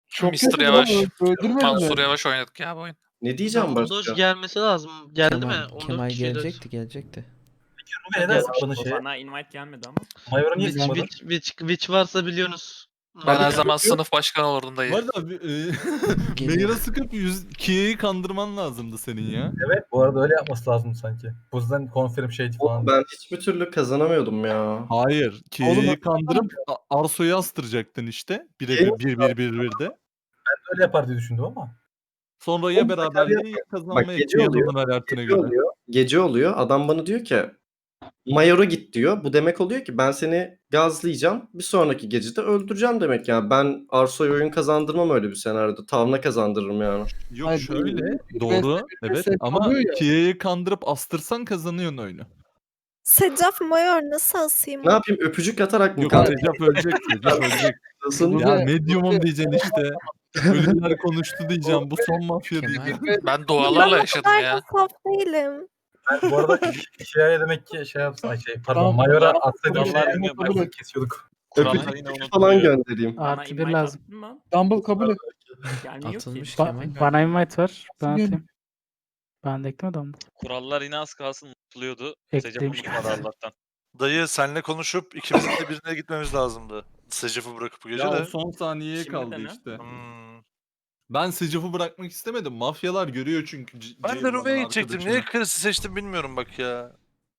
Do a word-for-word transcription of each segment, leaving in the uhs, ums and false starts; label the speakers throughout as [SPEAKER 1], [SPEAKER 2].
[SPEAKER 1] Çok
[SPEAKER 2] mister
[SPEAKER 1] kötü
[SPEAKER 2] Yavaş.
[SPEAKER 1] lan, öldürmediler.
[SPEAKER 2] Mansur Yavaş oynadık ya bu oyun.
[SPEAKER 3] Ne diyeceğim
[SPEAKER 4] Bandaj
[SPEAKER 3] başka?
[SPEAKER 4] gelmesi lazım. Geldi
[SPEAKER 5] Kemal,
[SPEAKER 4] mi? on dört
[SPEAKER 5] Kemal
[SPEAKER 4] kişiler.
[SPEAKER 5] gelecekti gelecekti.
[SPEAKER 6] Ruve neden sıkmadın şeye?
[SPEAKER 7] Bana invite gelmedi ama.
[SPEAKER 6] Mayor'a niye
[SPEAKER 4] Witch,
[SPEAKER 6] sıkmadın?
[SPEAKER 4] witch, witch, witch varsa biliyorsunuz.
[SPEAKER 2] Ben her
[SPEAKER 4] Abi,
[SPEAKER 2] zaman sınıf başkanı olurdum dayı.
[SPEAKER 8] Bu arada e, Mayor'a sıkıp yüz Kia'yı kandırman lazımdı senin ya.
[SPEAKER 6] Evet, bu arada öyle yapması lazım sanki. Bu yüzden confirm şey falan.
[SPEAKER 3] Oğlum ben hiçbir türlü kazanamıyordum ya.
[SPEAKER 8] Hayır. Kia'yı
[SPEAKER 6] Oğlum,
[SPEAKER 8] kandırıp A- Arso'yu astıracaktın işte. Bire
[SPEAKER 3] Şey-
[SPEAKER 8] bir bir bir bir birde.
[SPEAKER 6] Ben öyle yapar diye düşündüm ama.
[SPEAKER 8] Sonra ya
[SPEAKER 3] Oğlum,
[SPEAKER 8] beraberliği
[SPEAKER 3] Bak,
[SPEAKER 8] kazanmaya
[SPEAKER 3] gece
[SPEAKER 8] Kia'nın
[SPEAKER 3] oluyor,
[SPEAKER 8] alertine
[SPEAKER 3] Gece
[SPEAKER 8] göre.
[SPEAKER 3] oluyor. Gece oluyor. Adam bana diyor ki Mayor'a git diyor. Bu demek oluyor ki ben seni gazlayacağım. Bir sonraki gecede öldüreceğim demek yani. Ben Arso'ya oyun kazandırmam öyle bir senaryoda. Tavna kazandırırım yani.
[SPEAKER 8] Yok
[SPEAKER 1] Hayır,
[SPEAKER 8] şöyle
[SPEAKER 1] bir-
[SPEAKER 8] doğru
[SPEAKER 1] bir- bir-
[SPEAKER 8] evet
[SPEAKER 1] bir-
[SPEAKER 8] ama
[SPEAKER 1] oluyor ya.
[SPEAKER 8] Kia'yı kandırıp astırsan kazanıyorsun oyunu.
[SPEAKER 9] Secaf Mayor nasıl asayım?
[SPEAKER 3] Ne yapayım? Öpücük atarak mı
[SPEAKER 8] Yok
[SPEAKER 3] kandırayım?
[SPEAKER 8] Recep ölecek Recep ölecek.
[SPEAKER 3] Nasıl?
[SPEAKER 8] Ya medyumum diyeceksin işte. Ölüler konuştu diyeceğim. Bu son mafya
[SPEAKER 5] Kemal.
[SPEAKER 8] diyeceğim.
[SPEAKER 2] Ben dualarla
[SPEAKER 9] Ben
[SPEAKER 2] yaşadım
[SPEAKER 9] o kadar
[SPEAKER 2] ya.
[SPEAKER 9] da saf değilim.
[SPEAKER 6] Ben bu arada şeye demek ki şey yapsın. Ay şey pardon
[SPEAKER 1] Tamam.
[SPEAKER 6] Mayor'a atsaydım
[SPEAKER 1] Kurallar
[SPEAKER 6] şey
[SPEAKER 1] yine
[SPEAKER 6] yapmayı
[SPEAKER 1] kabul
[SPEAKER 6] kesiyorduk.
[SPEAKER 3] Öpücük
[SPEAKER 7] yine
[SPEAKER 3] falan
[SPEAKER 7] unutuluyor.
[SPEAKER 3] göndereyim.
[SPEAKER 7] Bana
[SPEAKER 10] Artı bir
[SPEAKER 7] invite
[SPEAKER 10] lazım.
[SPEAKER 7] attın mı?
[SPEAKER 1] Dumble kabul et.
[SPEAKER 7] Gelmiyor ki.
[SPEAKER 5] Atılmış
[SPEAKER 10] Ba-
[SPEAKER 5] Kemal.
[SPEAKER 10] bana invite var. Ben
[SPEAKER 1] Gelin.
[SPEAKER 10] atayım. Ben de eklemedim ama.
[SPEAKER 7] Kurallar yine az kalsın unutuluyordu.
[SPEAKER 10] Eklemiş.
[SPEAKER 7] Secaf unutmadı Allah'tan.
[SPEAKER 11] Dayı senle konuşup ikimizin de birine gitmemiz lazımdı. Secaf'ı bırakıp bu gece
[SPEAKER 8] Ya o
[SPEAKER 11] de.
[SPEAKER 8] son saniyeye
[SPEAKER 7] Şimdi
[SPEAKER 8] kaldı
[SPEAKER 7] de ne?
[SPEAKER 8] işte.
[SPEAKER 11] Hmm.
[SPEAKER 8] Ben Secaf'ı bırakmak istemedim. Mafyalar görüyor çünkü. C-
[SPEAKER 11] Ben de
[SPEAKER 8] Ceylan'ın
[SPEAKER 11] Ruve'ye gidecektim.
[SPEAKER 8] arkadaşını.
[SPEAKER 11] Niye Chris'i seçtim bilmiyorum bak ya.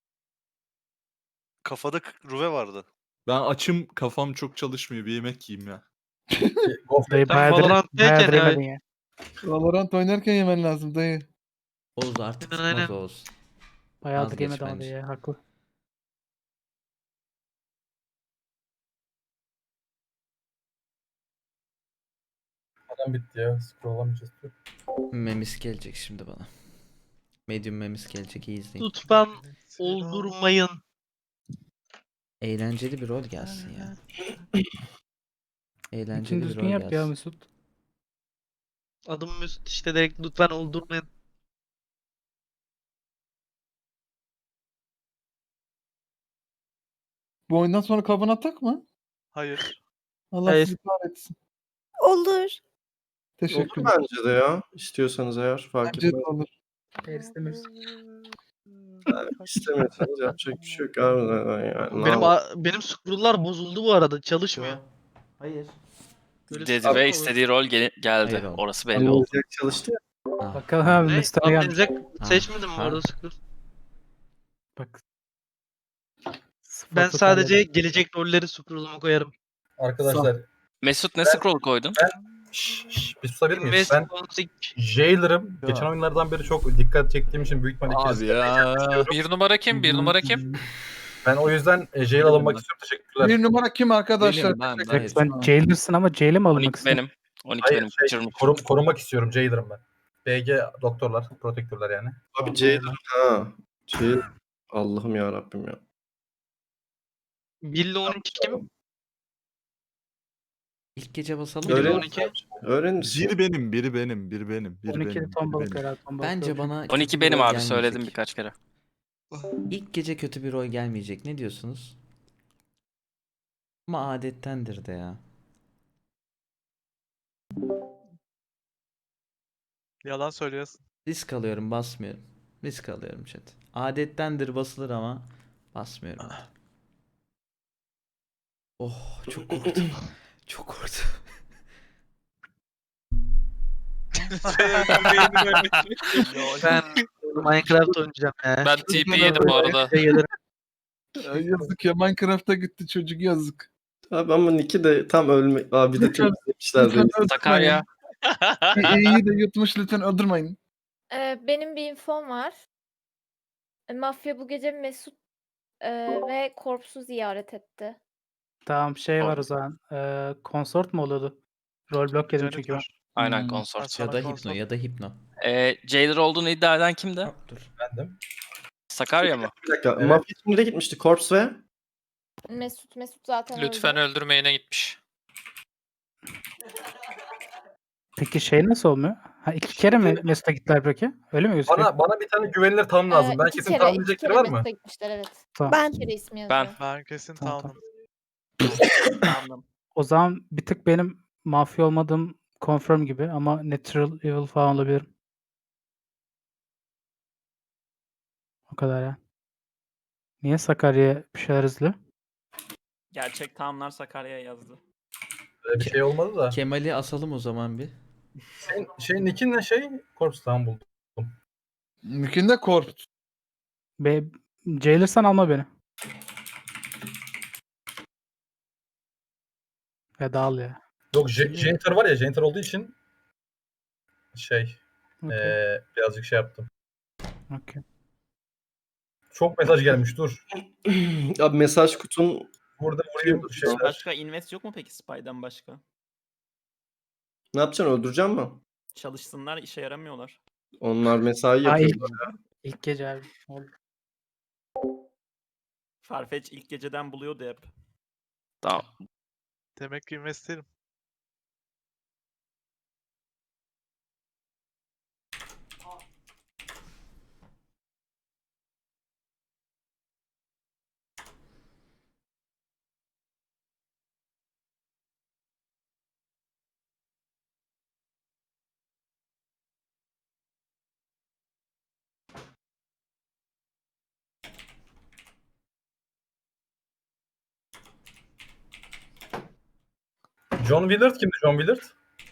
[SPEAKER 11] Kafada k- Ruve vardı.
[SPEAKER 8] Ben açım kafam çok çalışmıyor. Bir yemek yiyeyim ya.
[SPEAKER 10] Dayı
[SPEAKER 4] Sen
[SPEAKER 10] bayağıdır,
[SPEAKER 4] Valorant'tayken
[SPEAKER 10] bayağıdır
[SPEAKER 4] ya.
[SPEAKER 10] yemedin ya.
[SPEAKER 1] Valorant oynarken yemen lazım dayı.
[SPEAKER 5] Oğuz artık
[SPEAKER 4] Aynen, aynen.
[SPEAKER 5] tutmaz Oğuz.
[SPEAKER 10] Bayağıdır
[SPEAKER 5] Vazgeç
[SPEAKER 10] yemedi ama
[SPEAKER 5] bence.
[SPEAKER 10] dayı ya. Haklı.
[SPEAKER 6] Adam bitti ya. Scrollamayacağız.
[SPEAKER 5] Memis gelecek şimdi bana. Medium memis gelecek iyi izleyin.
[SPEAKER 4] Lütfen oldurmayın.
[SPEAKER 5] Eğlenceli bir rol gelsin ya. Eğlenceli
[SPEAKER 10] İçini
[SPEAKER 5] bir
[SPEAKER 10] düzgün
[SPEAKER 5] rol
[SPEAKER 10] yap ya
[SPEAKER 5] gelsin.
[SPEAKER 10] Mesut.
[SPEAKER 4] Adım Mesut işte direkt lütfen oldurmayın.
[SPEAKER 1] Bu oyundan sonra kavana atak mı?
[SPEAKER 11] Hayır.
[SPEAKER 1] Allah
[SPEAKER 4] Hayır.
[SPEAKER 1] sizi kahretsin.
[SPEAKER 9] Olur.
[SPEAKER 3] Olur
[SPEAKER 1] Teşekkür ederim.
[SPEAKER 3] bence de ya. İstiyorsanız eğer fark
[SPEAKER 1] Bence de
[SPEAKER 3] etmez.
[SPEAKER 1] olur.
[SPEAKER 10] Hayır istemiyoruz.
[SPEAKER 3] İstemiyorsanız yapacak bir şey yok abi. Yani, ne
[SPEAKER 4] Benim
[SPEAKER 3] yapalım?
[SPEAKER 4] a- benim scroll'lar bozuldu bu arada. Çalışmıyor.
[SPEAKER 5] Hayır.
[SPEAKER 4] Böyle
[SPEAKER 2] Dedi
[SPEAKER 4] scroll
[SPEAKER 2] ve
[SPEAKER 4] olur.
[SPEAKER 2] istediği rol gel- geldi.
[SPEAKER 5] Hayır oğlum.
[SPEAKER 2] Orası belli oldu.
[SPEAKER 3] Anlayacak çalıştı ya.
[SPEAKER 5] Ah,
[SPEAKER 10] Bakalım abi
[SPEAKER 4] Ne?
[SPEAKER 10] Mesut'a gelmiş.
[SPEAKER 4] Anlayacak
[SPEAKER 5] Ha,
[SPEAKER 4] seçmedim bu
[SPEAKER 5] ha.
[SPEAKER 4] arada scroll.
[SPEAKER 10] Bak.
[SPEAKER 4] Ben
[SPEAKER 10] Sıfır
[SPEAKER 4] sadece
[SPEAKER 10] totalde.
[SPEAKER 4] gelecek rolleri scroll'uma koyarım.
[SPEAKER 6] Arkadaşlar
[SPEAKER 2] Mesut ne scroll koydun?
[SPEAKER 6] şş, şş, bir susabilir miyiz?
[SPEAKER 4] Invest
[SPEAKER 6] Ben
[SPEAKER 4] Config.
[SPEAKER 6] Jailer'ım.
[SPEAKER 8] Ya.
[SPEAKER 6] Geçen oyunlardan beri çok dikkat çektiğim için büyük ihtimalle
[SPEAKER 8] Abi ya.
[SPEAKER 2] Bir numara kim? Bir numara kim?
[SPEAKER 6] ben o yüzden e, Jail alınmak istiyorum. Teşekkürler.
[SPEAKER 1] Bir numara kim arkadaşlar?
[SPEAKER 8] Benim ben.
[SPEAKER 1] Teşekkür-
[SPEAKER 5] hayır.
[SPEAKER 10] Sen Jailer'sın ama Jail'e mi
[SPEAKER 2] on
[SPEAKER 10] alınmak
[SPEAKER 2] iki
[SPEAKER 10] istiyorsun?
[SPEAKER 2] benim. on iki
[SPEAKER 6] Hayır
[SPEAKER 2] benim.
[SPEAKER 6] şey,
[SPEAKER 2] Kaçırmış.
[SPEAKER 6] korum, korumak istiyorum. Jailer'ım ben. B G doktorlar, protektörler yani.
[SPEAKER 3] Abi Jailer ha. Jailer. Allah'ım ya Rabbim ya.
[SPEAKER 4] bir ile on iki kim?
[SPEAKER 5] İlk gece basalım.
[SPEAKER 4] Öyle
[SPEAKER 5] mı?
[SPEAKER 4] on iki.
[SPEAKER 3] Öğrenirsin.
[SPEAKER 8] Biri benim, biri benim, biri benim, biri
[SPEAKER 10] on iki
[SPEAKER 8] benim.
[SPEAKER 10] ton
[SPEAKER 8] biri
[SPEAKER 10] balık
[SPEAKER 8] benim.
[SPEAKER 10] herhalde. ton balık
[SPEAKER 5] Bence
[SPEAKER 10] yok.
[SPEAKER 5] bana
[SPEAKER 2] on
[SPEAKER 5] kötü
[SPEAKER 2] iki
[SPEAKER 5] bir
[SPEAKER 2] benim
[SPEAKER 5] rol
[SPEAKER 2] abi
[SPEAKER 5] gelmeyecek.
[SPEAKER 2] söyledim birkaç kere.
[SPEAKER 5] İlk gece kötü bir rol gelmeyecek. Ne diyorsunuz? Ama adettendir de ya.
[SPEAKER 11] Yalan söylüyorsun.
[SPEAKER 5] Risk alıyorum basmıyorum. Risk alıyorum chat. Adettendir basılır ama basmıyorum. Oh çok korktum. Çok korktum.
[SPEAKER 4] Ben Minecraft oynayacağım ya.
[SPEAKER 2] Ben T P yedim bu arada.
[SPEAKER 4] Size gelirim.
[SPEAKER 1] Ay, yazık ya, Minecraft'a gitti çocuk, yazık.
[SPEAKER 3] Abi ama Nick'i de tam ölme... Abi de temizlemişler
[SPEAKER 1] Lütfen
[SPEAKER 3] beni.
[SPEAKER 2] Sakarya.
[SPEAKER 1] İyi de yutmuş, lütfen öldürmeyin.
[SPEAKER 9] Ee, benim bir infom var. E, Mafya bu gece Mesut e, ve Korps'u ziyaret etti.
[SPEAKER 10] Tamam şey var o zaman. Ee, konsort mu oluyordu? Rollblock yedim çünkü ben.
[SPEAKER 2] Aynen
[SPEAKER 1] Hmm.
[SPEAKER 2] konsort.
[SPEAKER 5] Ya da hipno ya da hipno.
[SPEAKER 2] Ee, Jailer olduğunu iddia eden kimdi?
[SPEAKER 5] Hop, dur.
[SPEAKER 6] Bendim.
[SPEAKER 2] Sakarya mı?
[SPEAKER 3] Bir dakika.
[SPEAKER 6] Evet.
[SPEAKER 3] Mafya kimlere gitmişti? Corpse ve?
[SPEAKER 9] Mesut Mesut zaten
[SPEAKER 2] Lütfen
[SPEAKER 9] öldü.
[SPEAKER 2] öldürmeyene gitmiş.
[SPEAKER 10] Peki şey nasıl olmuyor? Ha iki kere mi Mesut'a gittiler peki? Öyle mi gözüküyor?
[SPEAKER 6] Bana bana bir tane güvenilir tam lazım.
[SPEAKER 9] Ee,
[SPEAKER 6] Ben
[SPEAKER 9] iki
[SPEAKER 6] kesin
[SPEAKER 9] kere,
[SPEAKER 6] tanımlayacak
[SPEAKER 9] iki
[SPEAKER 6] biri
[SPEAKER 9] kere
[SPEAKER 6] var mı?
[SPEAKER 9] Mesut'a gitmişler, evet.
[SPEAKER 10] Tamam.
[SPEAKER 9] Ben. İki kere ismi yazıyor.
[SPEAKER 2] Ben.
[SPEAKER 11] Ben kesin
[SPEAKER 10] Tamam,
[SPEAKER 11] tamam.
[SPEAKER 10] O zaman bir tık benim mafya olmadığım confirm gibi ama natural evil falan olabilir. O kadar ya. Niye Sakarya bir şeyler izliyor?
[SPEAKER 7] Gerçek tamamlar Sakarya'ya yazdı.
[SPEAKER 6] Böyle bir şey olmadı da.
[SPEAKER 5] Kemal'i asalım o zaman bir.
[SPEAKER 6] Senin şey Nick'in ne şey? Corpse'dan buldum.
[SPEAKER 1] Mümkün korp.
[SPEAKER 10] Be Jailer sen alma beni. Ya dağıl ya.
[SPEAKER 6] Yok J-
[SPEAKER 5] Kimi-
[SPEAKER 6] Janitor var ya, Janitor olduğu için şey
[SPEAKER 10] Okey.
[SPEAKER 6] eee, birazcık şey yaptım.
[SPEAKER 10] Okey.
[SPEAKER 6] Çok mesaj gelmiş, dur.
[SPEAKER 3] Abi mesaj kutun
[SPEAKER 6] Burada vurayım şeyler.
[SPEAKER 7] Başka invest yok mu peki Spy'dan başka?
[SPEAKER 3] ne yapacaksın, öldüreceğim mi?
[SPEAKER 7] Çalışsınlar, işe yaramıyorlar.
[SPEAKER 3] Onlar mesai
[SPEAKER 10] Aa,
[SPEAKER 3] yapıyor.
[SPEAKER 10] ilk, ilk gece abi. Oldu.
[SPEAKER 7] Farfetch ilk geceden buluyordu hep.
[SPEAKER 2] Tamam.
[SPEAKER 11] Demek ki investerim.
[SPEAKER 6] John Willard kimdi, John Willard?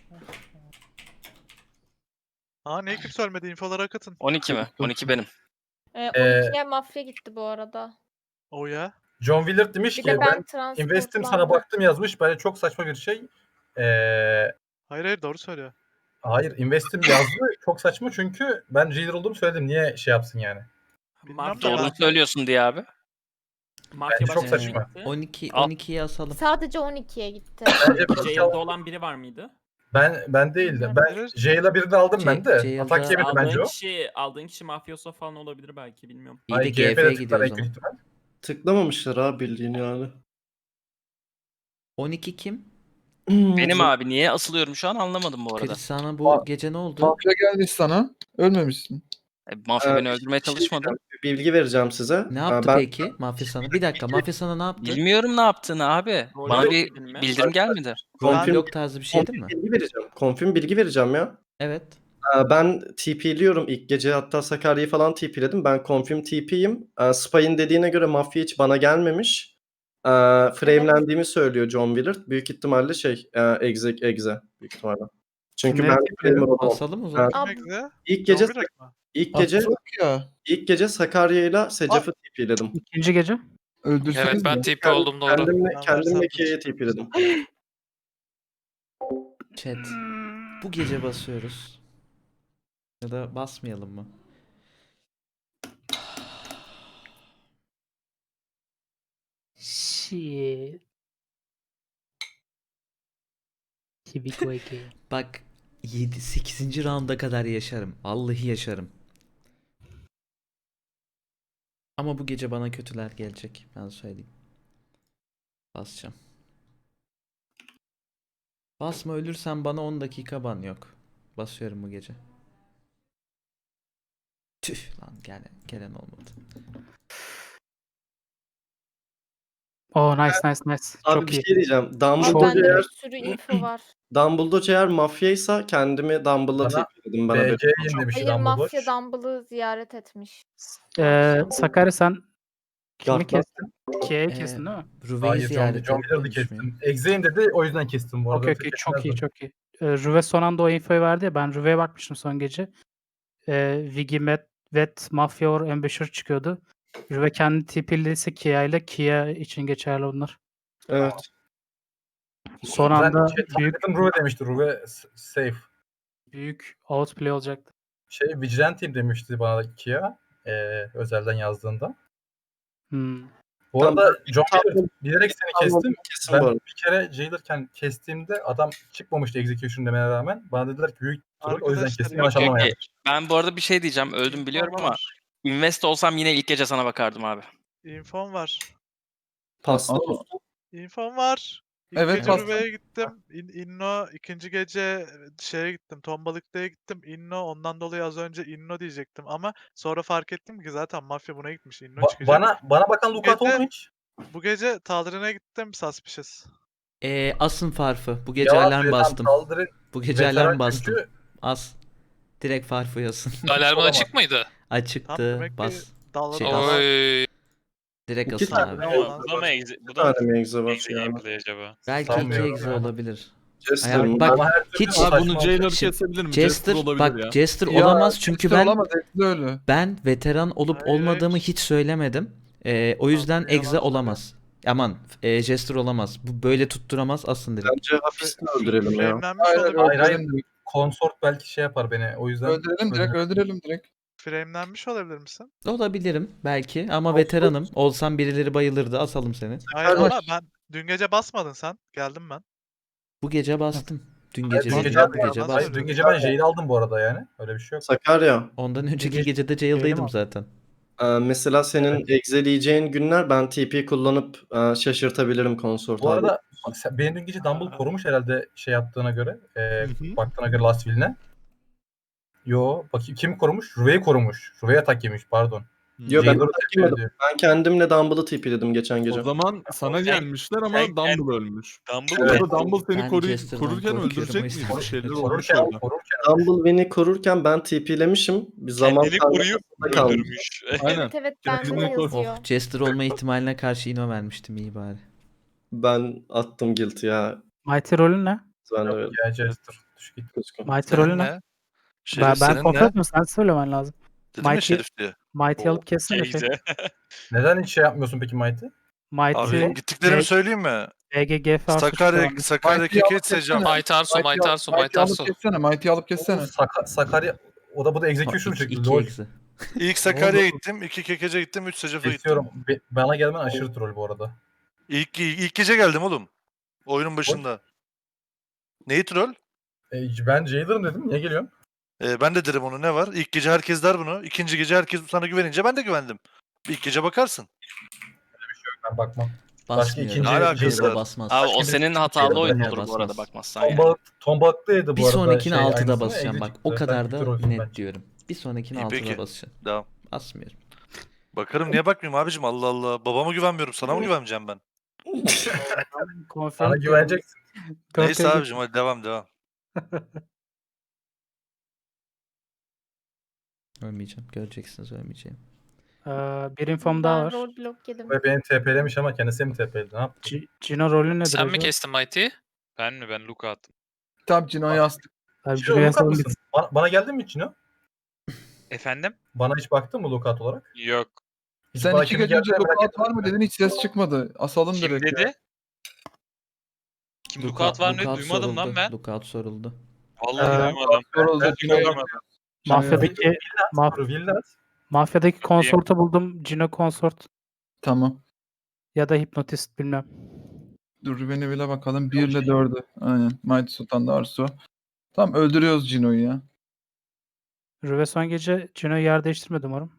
[SPEAKER 11] Aa niye kimse ölmedi? İnfolara akıtın.
[SPEAKER 2] on iki mi? on iki benim.
[SPEAKER 9] Ee,
[SPEAKER 6] Ee,
[SPEAKER 9] on ikiye mafya gitti bu arada.
[SPEAKER 11] O ya.
[SPEAKER 6] John Willard demiş
[SPEAKER 9] Bir
[SPEAKER 6] ki
[SPEAKER 9] de ben
[SPEAKER 6] ben investim sana
[SPEAKER 9] transportlandım.
[SPEAKER 6] baktım yazmış. Bence çok saçma bir şey. Eee
[SPEAKER 11] Hayır hayır doğru söylüyor.
[SPEAKER 6] hayır, investim yazdı. Çok saçma çünkü ben jailer olduğumu söyledim. Niye şey yapsın yani?
[SPEAKER 11] Bilmem
[SPEAKER 7] Mafya,
[SPEAKER 11] de
[SPEAKER 2] Doğru
[SPEAKER 11] ben-
[SPEAKER 2] söylüyorsun diye abi.
[SPEAKER 7] mafya
[SPEAKER 6] Bence çok
[SPEAKER 7] başka kim
[SPEAKER 6] saçma.
[SPEAKER 7] gitti?
[SPEAKER 5] on iki
[SPEAKER 2] Al.
[SPEAKER 5] on ikiye asalım.
[SPEAKER 9] Sadece on ikiye gitti.
[SPEAKER 6] Bence bir
[SPEAKER 7] Jail'de olan biri var mıydı?
[SPEAKER 6] ben ben değildim. Ben
[SPEAKER 11] Bilmiyorum.
[SPEAKER 6] Jail'a birini aldım
[SPEAKER 5] J-
[SPEAKER 6] ben de.
[SPEAKER 5] Jail'da-
[SPEAKER 6] Atak yemedi bence
[SPEAKER 7] Aldığın
[SPEAKER 6] o.
[SPEAKER 7] kişi, aldığın kişi mafyoso falan olabilir belki, bilmiyorum.
[SPEAKER 5] İyi de
[SPEAKER 6] Ay,
[SPEAKER 5] G F'ye
[SPEAKER 6] G F'de
[SPEAKER 5] gidiyor
[SPEAKER 6] tıklar
[SPEAKER 5] o
[SPEAKER 6] en kötü
[SPEAKER 5] zaman.
[SPEAKER 6] ihtimal.
[SPEAKER 3] Tıklamamışlar abi bildiğin yani.
[SPEAKER 5] on iki kim?
[SPEAKER 2] Benim abi, niye asılıyorum şu an anlamadım bu arada.
[SPEAKER 5] Chris sana bu
[SPEAKER 1] Aa,
[SPEAKER 5] gece ne oldu?
[SPEAKER 1] Mafya gelmiş sana. Ölmemişsin.
[SPEAKER 2] E, mafya
[SPEAKER 3] Ee,
[SPEAKER 2] beni öldürmeye
[SPEAKER 3] bir şey
[SPEAKER 2] çalışmadı.
[SPEAKER 3] diyeceğim, bir bilgi vereceğim size.
[SPEAKER 5] Ne
[SPEAKER 3] Ee,
[SPEAKER 5] yaptı
[SPEAKER 3] ben
[SPEAKER 5] peki Mafya sana? Bir dakika Mafya sana ne yaptı?
[SPEAKER 2] Bilmiyorum ne yaptığını abi.
[SPEAKER 7] Rol
[SPEAKER 2] Bana
[SPEAKER 7] yok
[SPEAKER 2] bir
[SPEAKER 7] dedin mi?
[SPEAKER 2] bildirim gelmedi.
[SPEAKER 3] Confirm-
[SPEAKER 5] Blok tarzı bir şeydi
[SPEAKER 3] Confirm
[SPEAKER 5] mi?
[SPEAKER 3] bilgi vereceğim. Confirm bilgi vereceğim ya.
[SPEAKER 5] Evet.
[SPEAKER 3] Ee, Ben T P'liyorum ilk gece, hatta Sakarya'yı falan T P'ledim. Ben confirm T P'yim. Ee, Spy'in dediğine göre mafya hiç bana gelmemiş. Ee, framelendiğimi söylüyor John Willard. Büyük ihtimalle şey e, exec exe büyük ihtimalle. Çünkü
[SPEAKER 10] Kimleri
[SPEAKER 3] ben
[SPEAKER 10] T P'ledin?
[SPEAKER 3] framer olamam.
[SPEAKER 5] Asalım o zaman.
[SPEAKER 9] Ab-
[SPEAKER 11] Demek de
[SPEAKER 3] İlk
[SPEAKER 11] John
[SPEAKER 3] gece
[SPEAKER 11] Willard mı?
[SPEAKER 3] ilk gece
[SPEAKER 1] Asıl ya.
[SPEAKER 3] ilk gece Sakarya'yla Secaf'ı T P'ledim.
[SPEAKER 10] İkinci gece.
[SPEAKER 1] Öldürseniz
[SPEAKER 2] Evet ben
[SPEAKER 1] mi?
[SPEAKER 2] T P oldum doğru.
[SPEAKER 3] Kendimle
[SPEAKER 11] Ben
[SPEAKER 3] kendimle
[SPEAKER 11] Versace'de
[SPEAKER 3] Kia'ya T P'ledim.
[SPEAKER 5] Chat. Bu gece basıyoruz. Ya da basmayalım mı?
[SPEAKER 10] Shit. Here we go again.
[SPEAKER 5] Bak yedi sekizinci rounda kadar yaşarım. Vallahi yaşarım. Ama bu gece bana kötüler gelecek. Ben söyleyeyim. Basacağım. Basma, ölürsen bana on dakika ban yok. Basıyorum bu gece. Tüh lan, gelen, gelen olmadı.
[SPEAKER 10] Oh nice nice nice.
[SPEAKER 3] Abi
[SPEAKER 10] Çok
[SPEAKER 3] bir
[SPEAKER 10] iyi.
[SPEAKER 3] şey diyeceğim.
[SPEAKER 9] Abi
[SPEAKER 3] Dumbledore
[SPEAKER 9] bende
[SPEAKER 3] eğer,
[SPEAKER 9] bir sürü info var.
[SPEAKER 3] Dumbledore eğer mafyaysa kendimi Dumbledore'a
[SPEAKER 6] Bana
[SPEAKER 3] T P'ledim. Bana
[SPEAKER 6] B
[SPEAKER 3] böyle.
[SPEAKER 6] C'yim demiş
[SPEAKER 9] Hayır,
[SPEAKER 6] Dumbledore.
[SPEAKER 9] mafya Dumble'ı ziyaret etmiş.
[SPEAKER 10] Ee, Sakarya sen kimi
[SPEAKER 3] Gardlar.
[SPEAKER 10] kestin? Kia'yı
[SPEAKER 5] Ee,
[SPEAKER 10] kestin değil mi?
[SPEAKER 5] Rüveyi
[SPEAKER 6] Hayır, John,
[SPEAKER 5] ziyaret
[SPEAKER 6] John Willard'ı
[SPEAKER 5] etmemiş miyim?
[SPEAKER 6] kestim. Exe'yim dedi, o yüzden kestim bu arada.
[SPEAKER 10] Okey
[SPEAKER 6] Yoksa
[SPEAKER 10] okey çok iyi
[SPEAKER 6] kesmezdim.
[SPEAKER 10] çok iyi. Ee, Rüve son anda o infoyu verdi ya, ben Rüve'ye bakmıştım son gece. Ee, Vigi, Met, Vet, Mafia or Ambassador çıkıyordu. Rüve kendi T P'liyse Kia ile Kia için geçerli bunlar.
[SPEAKER 3] Evet.
[SPEAKER 10] Son
[SPEAKER 6] Ben
[SPEAKER 10] anda
[SPEAKER 6] şey,
[SPEAKER 10] büyük
[SPEAKER 6] Target'ın Ruve demişti. Ruve s- safe.
[SPEAKER 10] büyük outplay olacaktı.
[SPEAKER 6] Şey Vigilante'yim demişti bana da Kia. Eee özelden yazdığında.
[SPEAKER 10] Hmm.
[SPEAKER 6] Bu
[SPEAKER 3] Tamam,
[SPEAKER 6] arada John
[SPEAKER 3] Tamam.
[SPEAKER 6] Willard bilerek seni
[SPEAKER 3] Tamam,
[SPEAKER 6] kestim.
[SPEAKER 3] kesin
[SPEAKER 6] Ben
[SPEAKER 3] bu arada.
[SPEAKER 6] bir kere Jailer'ken kestiğimde adam çıkmamıştı execution demene rağmen. Bana dediler ki büyük troll, o yüzden
[SPEAKER 11] Arkadaşlar,
[SPEAKER 6] kestim.
[SPEAKER 11] yok,
[SPEAKER 6] Yanlış
[SPEAKER 2] yok,
[SPEAKER 6] anlama
[SPEAKER 2] yok.
[SPEAKER 6] yanlış.
[SPEAKER 2] Ben bu arada bir şey diyeceğim. Öldüm biliyorum
[SPEAKER 11] İnfom
[SPEAKER 2] ama
[SPEAKER 11] var.
[SPEAKER 2] invest olsam yine ilk gece sana bakardım abi.
[SPEAKER 11] İnfom var.
[SPEAKER 3] Pasta
[SPEAKER 1] Aa,
[SPEAKER 3] dostum.
[SPEAKER 11] İnfom var. İlk
[SPEAKER 1] Evet,
[SPEAKER 11] gece
[SPEAKER 1] pasta.
[SPEAKER 11] Rüve'ye gittim. İn, Inno ikinci gece şeye gittim. Tombalıklı'ya gittim. Inno ondan dolayı az önce Inno diyecektim ama sonra fark ettim ki zaten mafya buna gitmiş. Inno
[SPEAKER 6] Ba-
[SPEAKER 11] çıkacak.
[SPEAKER 6] bana bana bakan Lukat
[SPEAKER 11] Gece-
[SPEAKER 6] oldu mu hiç?
[SPEAKER 11] Bu gece Taldir'ine gittim Suspicious.
[SPEAKER 5] Ee, asın farfı. Bu gece
[SPEAKER 6] Cevap
[SPEAKER 5] alarm
[SPEAKER 6] veren
[SPEAKER 5] bastım.
[SPEAKER 6] saldırı
[SPEAKER 5] Bu gece
[SPEAKER 6] veteran
[SPEAKER 5] alarm bastım.
[SPEAKER 6] gücü
[SPEAKER 5] As. Direkt farfı yazsın.
[SPEAKER 2] Alarmın
[SPEAKER 6] Olamaz.
[SPEAKER 2] açık mıydı?
[SPEAKER 11] Tam
[SPEAKER 5] Açıktı.
[SPEAKER 11] demek ki
[SPEAKER 5] Bas.
[SPEAKER 11] dalga
[SPEAKER 5] Şey,
[SPEAKER 11] dalga-
[SPEAKER 5] as.
[SPEAKER 2] Oy.
[SPEAKER 5] Direkt
[SPEAKER 3] İki
[SPEAKER 5] asın
[SPEAKER 3] tane
[SPEAKER 5] abi.
[SPEAKER 11] Ama-
[SPEAKER 12] Bu da mı egze? Bu
[SPEAKER 3] Bir
[SPEAKER 12] da mı
[SPEAKER 3] tane mi egze var
[SPEAKER 12] egze
[SPEAKER 3] yani?
[SPEAKER 12] gameplay acaba?
[SPEAKER 5] Belki iki
[SPEAKER 6] Sanmıyorum
[SPEAKER 5] egze
[SPEAKER 6] yani.
[SPEAKER 5] olabilir.
[SPEAKER 3] Jester,
[SPEAKER 5] Ay,
[SPEAKER 3] ben-
[SPEAKER 5] bak,
[SPEAKER 6] Ama her türlü
[SPEAKER 5] hiç-
[SPEAKER 6] o
[SPEAKER 8] Abi bunu
[SPEAKER 6] saçma
[SPEAKER 8] Jailer
[SPEAKER 6] olacak.
[SPEAKER 8] kesebilir mi? Jester,
[SPEAKER 5] Jester
[SPEAKER 8] olabilir
[SPEAKER 5] bak
[SPEAKER 8] ya.
[SPEAKER 5] Jester
[SPEAKER 1] Ya,
[SPEAKER 5] olamaz çünkü
[SPEAKER 1] Jester
[SPEAKER 5] ben
[SPEAKER 1] olamaz, Jester öyle.
[SPEAKER 5] ben veteran olup
[SPEAKER 11] Hayır, hayır.
[SPEAKER 5] olmadığımı hiç söylemedim. Ee, o yüzden
[SPEAKER 11] Abi, yalan
[SPEAKER 5] egze olamaz. Aman e, Jester olamaz. Bu böyle tutturamaz asın direkt.
[SPEAKER 3] Bence hafiften öldürelim ya.
[SPEAKER 11] Framelenmiş
[SPEAKER 1] Hayır,
[SPEAKER 11] olabilir.
[SPEAKER 6] Hayır, hayır.
[SPEAKER 1] öldürelim direkt.
[SPEAKER 6] Konsort belki şey yapar beni. O yüzden
[SPEAKER 1] Öldürelim direkt, öldürelim direkt.
[SPEAKER 11] Framelenmiş olabilir misin?
[SPEAKER 5] Olabilirim belki ama
[SPEAKER 6] Olsun.
[SPEAKER 5] veteranım. Olsam birileri bayılırdı. Asalım seni.
[SPEAKER 11] Hayır
[SPEAKER 1] Kardeş.
[SPEAKER 11] ama ben dün gece basmadın sen. Geldim ben.
[SPEAKER 5] Bu gece bastım. Dün
[SPEAKER 6] Hayır,
[SPEAKER 5] gece
[SPEAKER 6] dün
[SPEAKER 5] değil,
[SPEAKER 6] gece,
[SPEAKER 5] bu gece
[SPEAKER 11] Hayır,
[SPEAKER 6] hayır,
[SPEAKER 5] bastım.
[SPEAKER 6] dün gece ben jail aldım bu arada yani. Öyle bir şey yok.
[SPEAKER 3] Sakarya.
[SPEAKER 5] Ondan önceki
[SPEAKER 10] gece-
[SPEAKER 5] gecede
[SPEAKER 10] Öyle
[SPEAKER 5] jail'daydım
[SPEAKER 10] mi?
[SPEAKER 5] zaten.
[SPEAKER 3] Ee, mesela senin egzeleyeceğin günler ben T P kullanıp e, şaşırtabilirim konsort
[SPEAKER 6] Bu
[SPEAKER 3] abi.
[SPEAKER 6] arada bak sen, beni dün gece Dumble korumuş herhalde şey yaptığına göre. E,
[SPEAKER 8] hı.
[SPEAKER 6] baktığına göre Last Will'ine. Yo bakayım kim korumuş? Ruve'yi korumuş. Ruve'ye atak yemiş pardon.
[SPEAKER 3] Yo, ben
[SPEAKER 6] Jailer'ı
[SPEAKER 3] atak
[SPEAKER 6] tepki
[SPEAKER 3] yemedim.
[SPEAKER 6] ediyor.
[SPEAKER 3] Ben kendimle Dumble'ı T P'ledim geçen gece.
[SPEAKER 8] O zaman sana
[SPEAKER 12] Sen-
[SPEAKER 8] gelmişler ama
[SPEAKER 12] sen-
[SPEAKER 8] Dumble ölmüş.
[SPEAKER 12] Dumble
[SPEAKER 6] Evet.
[SPEAKER 8] Orada Dumble seni
[SPEAKER 5] Ben
[SPEAKER 8] koru-
[SPEAKER 5] Jester'dan
[SPEAKER 8] korurken
[SPEAKER 5] korkuyorum,
[SPEAKER 8] öldürecek
[SPEAKER 5] o yüzden.
[SPEAKER 8] miydi? Bir şeyler olmuş
[SPEAKER 6] Korurken,
[SPEAKER 8] orada.
[SPEAKER 6] korurken.
[SPEAKER 3] Dumble beni korurken ben T P'lemişim. Bir zaman
[SPEAKER 12] kendini koruyup
[SPEAKER 3] karmaşasında kalmış.
[SPEAKER 12] öldürmüş.
[SPEAKER 8] Aynen.
[SPEAKER 9] Evet evet bende de
[SPEAKER 8] Kendini koy.
[SPEAKER 9] yazıyor.
[SPEAKER 5] Oh, Jester olma ihtimaline karşı ino vermiştim iyi bari.
[SPEAKER 3] Ben attım guilt ya.
[SPEAKER 10] Mighty rolün ne?
[SPEAKER 3] Ben de
[SPEAKER 6] Yok
[SPEAKER 3] öyle.
[SPEAKER 6] ya Jester. Düş git.
[SPEAKER 3] Kuzgun.
[SPEAKER 10] Mighty rolün ne?
[SPEAKER 12] Şerif
[SPEAKER 10] Ben, ben
[SPEAKER 12] senin
[SPEAKER 10] kontrol
[SPEAKER 12] ne?
[SPEAKER 10] etmiyorum. Sen söylemen lazım.
[SPEAKER 12] Dedim ya
[SPEAKER 10] Mighty,
[SPEAKER 12] Şerif diye.
[SPEAKER 10] Mighty alıp kessene. Şey.
[SPEAKER 12] Teyze.
[SPEAKER 6] Neden hiç şey yapmıyorsun peki Mighty?
[SPEAKER 10] Mighty,
[SPEAKER 12] Abi gittiklerimi söyleyeyim mi?
[SPEAKER 10] E G G F
[SPEAKER 12] Sakarya, Sakarya
[SPEAKER 1] Mighty'yi
[SPEAKER 12] Keke
[SPEAKER 1] alıp
[SPEAKER 12] Secam.
[SPEAKER 1] kessene.
[SPEAKER 2] Mighty Arso,
[SPEAKER 1] Mighty'yi
[SPEAKER 2] Mighty
[SPEAKER 1] al-
[SPEAKER 2] Arso,
[SPEAKER 1] Mighty'yi
[SPEAKER 2] Mighty
[SPEAKER 1] alıp
[SPEAKER 2] Arso.
[SPEAKER 1] kessene, Mighty'yi alıp kessene.
[SPEAKER 6] Saka- Sakarya o da bu da execution
[SPEAKER 5] İki,
[SPEAKER 6] çıktı.
[SPEAKER 5] iki
[SPEAKER 6] Lol.
[SPEAKER 5] egze.
[SPEAKER 12] İlk Sakarya'ya gittim, iki Kekece gittim, üç Secaf'a gittim.
[SPEAKER 6] Kesiyorum. Be- Bana gelmen aşırı troll bu arada.
[SPEAKER 12] İlk, ilk gece geldim oğlum. Oyunun başında. Neyi troll?
[SPEAKER 6] E, ben Jailer'ım dedim. Niye geliyorsun?
[SPEAKER 12] Ee, ben de derim onu, ne var? İlk gece herkes der bunu. İkinci gece herkes sana güvenince ben de güvendim. İlk gece bakarsın.
[SPEAKER 6] Ben bakmam.
[SPEAKER 5] Basmıyorum.
[SPEAKER 6] ikinci-
[SPEAKER 12] Ne alakası
[SPEAKER 5] Ebo
[SPEAKER 12] var?
[SPEAKER 5] basmaz.
[SPEAKER 2] Abi o
[SPEAKER 6] Başka bir
[SPEAKER 2] senin
[SPEAKER 6] şey
[SPEAKER 2] hatalı
[SPEAKER 6] yok.
[SPEAKER 2] oyun
[SPEAKER 5] Yine
[SPEAKER 2] olur bu
[SPEAKER 5] basmaz.
[SPEAKER 2] arada bakmazsan yani.
[SPEAKER 6] Tomba, tombaklıydı bu
[SPEAKER 5] Bir
[SPEAKER 6] arada.
[SPEAKER 5] sonrakine
[SPEAKER 6] şey,
[SPEAKER 5] altıda
[SPEAKER 6] aynısını,
[SPEAKER 5] basacağım
[SPEAKER 6] Ege
[SPEAKER 5] bak.
[SPEAKER 6] çıktı.
[SPEAKER 5] O
[SPEAKER 6] Ben
[SPEAKER 5] kadar
[SPEAKER 6] bir
[SPEAKER 5] da
[SPEAKER 6] trollsün
[SPEAKER 5] net
[SPEAKER 6] bence.
[SPEAKER 5] diyorum. Bir sonrakine
[SPEAKER 12] İyi,
[SPEAKER 5] altıda
[SPEAKER 12] peki.
[SPEAKER 5] basacağım.
[SPEAKER 12] Devam.
[SPEAKER 5] Basmıyorum.
[SPEAKER 12] Bakarım, niye bakmayayım abicim, Allah Allah. Babama güvenmiyorum, sana mı güveneceğim ben?
[SPEAKER 6] Sana güveneceksin.
[SPEAKER 12] Neyse abicim, hadi devam devam.
[SPEAKER 5] Ölmeyeceğim. Göreceksiniz ölmeyeceğim.
[SPEAKER 10] Ee, bir infom daha
[SPEAKER 9] Ben
[SPEAKER 10] var.
[SPEAKER 9] roadblock yedim.
[SPEAKER 6] Ve beni T P'lemiş ama kendisi mi T P'ledi? Ne yaptı?
[SPEAKER 10] G- Gino rolü nedir
[SPEAKER 2] Sen mi
[SPEAKER 10] acaba?
[SPEAKER 2] kestin Mighty'yi?
[SPEAKER 12] Ben mi? Ben Luka attım.
[SPEAKER 1] Tam Cino'yu astık.
[SPEAKER 10] Abi
[SPEAKER 6] Cino
[SPEAKER 10] Gino'ya
[SPEAKER 6] Lukat
[SPEAKER 10] salın
[SPEAKER 6] mısın? Bana, bana geldin mi Cino?
[SPEAKER 12] Efendim?
[SPEAKER 6] Bana hiç baktın mı Lukat olarak?
[SPEAKER 12] Yok.
[SPEAKER 6] Hiç
[SPEAKER 1] Sen
[SPEAKER 6] bana
[SPEAKER 1] iki
[SPEAKER 6] kimin
[SPEAKER 1] gece önce
[SPEAKER 6] geldiğini merak
[SPEAKER 1] lookout var
[SPEAKER 6] etmedin
[SPEAKER 1] mı
[SPEAKER 6] mi?
[SPEAKER 1] dedin, hiç ses çıkmadı. Asalım
[SPEAKER 12] Kim
[SPEAKER 1] direkt. ya.
[SPEAKER 12] dedi? Kim lookout var ne?
[SPEAKER 5] Lookout
[SPEAKER 12] Duymadım lan
[SPEAKER 5] soruldu.
[SPEAKER 12] ben.
[SPEAKER 5] Lookout soruldu.
[SPEAKER 12] Vallahi
[SPEAKER 10] Ee,
[SPEAKER 12] duymadım.
[SPEAKER 1] Soruldu,
[SPEAKER 6] Ben
[SPEAKER 1] Cino'yu
[SPEAKER 6] Cino'yu
[SPEAKER 1] astık.
[SPEAKER 10] Mafyadaki maf
[SPEAKER 6] Villas.
[SPEAKER 10] mafyadaki konsortu buldum. Gino konsort
[SPEAKER 1] Tamam.
[SPEAKER 10] ya da hipnotist bilmem.
[SPEAKER 1] Dur Rüven'e bile bakalım. bir ile dördü. Aynen. Mighty Sultan'da Arsu. Tamam öldürüyoruz Cino'yu ya.
[SPEAKER 10] Rüve son gece Gino'yu yer değiştirmedi umarım.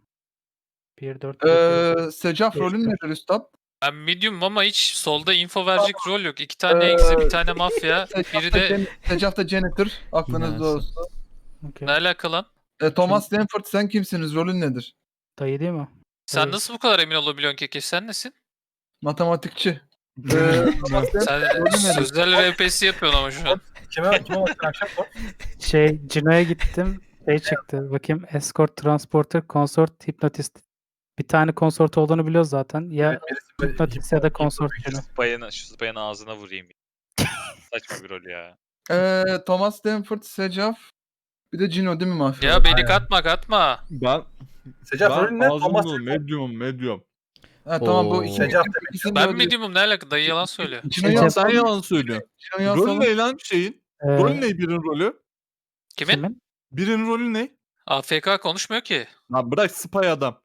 [SPEAKER 10] bir dört
[SPEAKER 1] Ee, Secaf
[SPEAKER 10] Beş,
[SPEAKER 1] rolün nedir üstad?
[SPEAKER 2] Ben medium ama hiç solda info verecek rol yok. İki tane exe, bir tane mafya, biri de...
[SPEAKER 1] Secaf da janitor. Aklınızda
[SPEAKER 5] Yine
[SPEAKER 1] olsun.
[SPEAKER 2] Ne alaka lan?
[SPEAKER 1] E, Thomas Stanford sen kimsiniz? Rolün nedir?
[SPEAKER 10] Dayı değil mi?
[SPEAKER 2] Sen
[SPEAKER 10] Evet.
[SPEAKER 2] nasıl bu kadar emin olabiliyorsun Keke? Sen nesin?
[SPEAKER 1] Matematikçi. Ee, Thomas Stanford
[SPEAKER 2] Sen
[SPEAKER 1] rolün nedir?
[SPEAKER 2] sözel R P S yapıyorsun ama şu an.
[SPEAKER 6] Kime, kime baktın akşam sor?
[SPEAKER 10] Şey Gino'ya gittim. Şey çıktı. Bakayım escort, transporter, consort, hypnotist. Bir tane consort olduğunu biliyoruz zaten. Ya
[SPEAKER 6] Birisi-
[SPEAKER 10] hypnotist ya da consort Gino.
[SPEAKER 12] Bayanı, şu bayanın ağzına vurayım. Saçma bir rol ya.
[SPEAKER 1] Ee, Thomas Stanford, Secaf. Bir de Cino değil mi mafya?
[SPEAKER 2] Ya beni
[SPEAKER 6] Aynen.
[SPEAKER 2] katma katma.
[SPEAKER 8] Ben,
[SPEAKER 6] Secaf rolün
[SPEAKER 8] ben
[SPEAKER 6] ne? Thomas
[SPEAKER 8] ağzımda medium medium.
[SPEAKER 1] Ha, tamam bu
[SPEAKER 5] Oo.
[SPEAKER 1] iki.
[SPEAKER 6] Secaf
[SPEAKER 1] ikisini de
[SPEAKER 2] Ben
[SPEAKER 1] öldür-
[SPEAKER 2] medium'um, ne alaka? Dayı yalan söylüyor.
[SPEAKER 1] Cino'yu
[SPEAKER 10] Secaf-
[SPEAKER 8] Sen
[SPEAKER 1] asalım.
[SPEAKER 8] yalan söylüyorsun.
[SPEAKER 1] Cino'yu
[SPEAKER 8] Rolü
[SPEAKER 1] asalım.
[SPEAKER 8] ne lan şeyin?
[SPEAKER 10] Ee,
[SPEAKER 8] Rolü ne birinin rolü?
[SPEAKER 2] Kimin?
[SPEAKER 10] kimin?
[SPEAKER 8] Birinin rolü ne?
[SPEAKER 2] A F K konuşmuyor ki.
[SPEAKER 8] Lan bırak spy adam.